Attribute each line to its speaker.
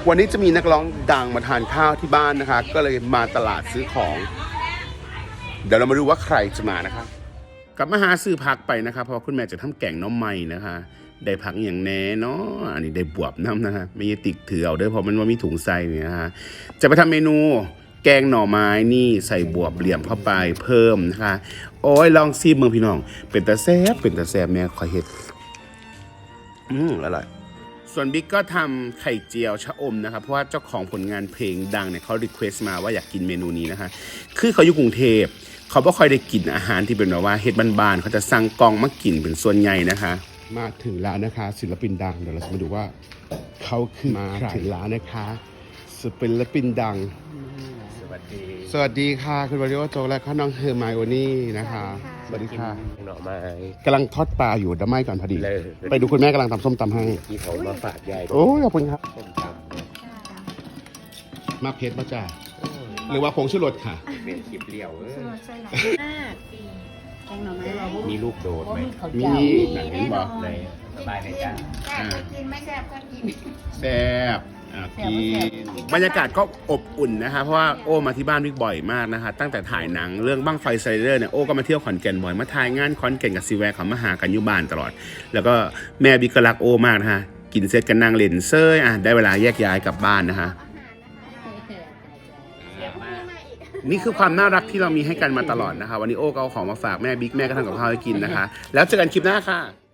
Speaker 1: วันนี้จะมีนักร้องดังมาทานข้าวที่บ้านนะคะก็เลยมาตลาดซื้อของเดี๋ยวเรามาดูว่าใครจะมานะคะกลับมาหาซื้อผักไปนะคะเพราะคุณแม่จะทำแกงน้ำมันนะคะได้ผักอย่างแน่เนาะอันนี้ได้บวบน้ำนะคะไม่ยติกถือเอาด้วยเพราะมันว่ามีถุงใส่เนี่ยนะคะจะไปทำเมนูแกงหน่อไม้นี่ใส่บวบเหลี่ยมเข้าไปเพิ่มนะคะโอ้ยลองซีเมืองพี่น้องเป็นตาแซ่บแม่ขอเห็ดอร่อยส่วนบิ๊กก็ทำไข่เจียวชะอมนะครับเพราะว่าเจ้าของผลงานเพลงดังเนี่ยเขารีเควสต์มาว่าอยากกินเมนูนี้นะคะคือเขาอยู่กรุงเทพเขาไม่ค่อยได้กินอาหารที่เป็นแบบว่าเฮ็ดบ้านๆเขาจะสั่งกล่องมากินเป็นส่วนใหญ่นะคะมาถึงแล้วนะคะศิลปินดังเดี๋ยวเราจะมาดูว่าเขาคือมาถึงแล้วนะคะศิลปินดังสวัสดีค่ะคุณวริโอโจและข้าน้องเฮอร์ไมโอนี่นะคะสวัสดีค่ะ
Speaker 2: หน่อไม้
Speaker 1: กำลังทอดปลาอยู่ดำไม้ก่อนพอดี
Speaker 2: เลย
Speaker 1: ไปดูคุณแม่กำลังทำส้มตำให้
Speaker 2: ที่เขามาฝากยาย
Speaker 1: โอ้ยขอบคุณครับ
Speaker 2: ส้มตำ
Speaker 1: มาเพชรมาจ้าหรือว่าผงชูรสค่ะ
Speaker 2: เป็นคลิปเลี้ยว
Speaker 3: แกงหน่อไม้
Speaker 2: มีลูกโดดไหม
Speaker 1: มีหนังเห็นบอก
Speaker 2: เลยสบายเลยจ้า
Speaker 3: กินไม่แซ่บก็กิน
Speaker 1: แซ่บกินบรรยากาศก็อบอุ่นนะคะเพราะว่าโอ้มาที่บ้านบิ๊กบ่อยมากนะคะตั้งแต่ถ่ายหนังเรื่องบั้งไฟไซเดอร์เนี่ยโอ้ก็มาเที่ยวขอนแก่นบ่อยมาถ่ายงานขอนแก่นกับซีแวร์เขามาหากันอยู่บ้านตลอดแล้วก็แม่บิ๊กก็รักโอ้มากนะคะกินเสร็จกันนั่งเล่นเซยได้เวลาแยกย้ายกลับบ้านนะคะนี่คือความน่ารักที่เรามีให้กันมาตลอดนะคะวันนี้โอ้ก็เอาของมาฝากแม่บิ๊กแม่ก็ทำกับข้าวให้กินนะคะแล้วเจอกันคลิปหน้าค่ะ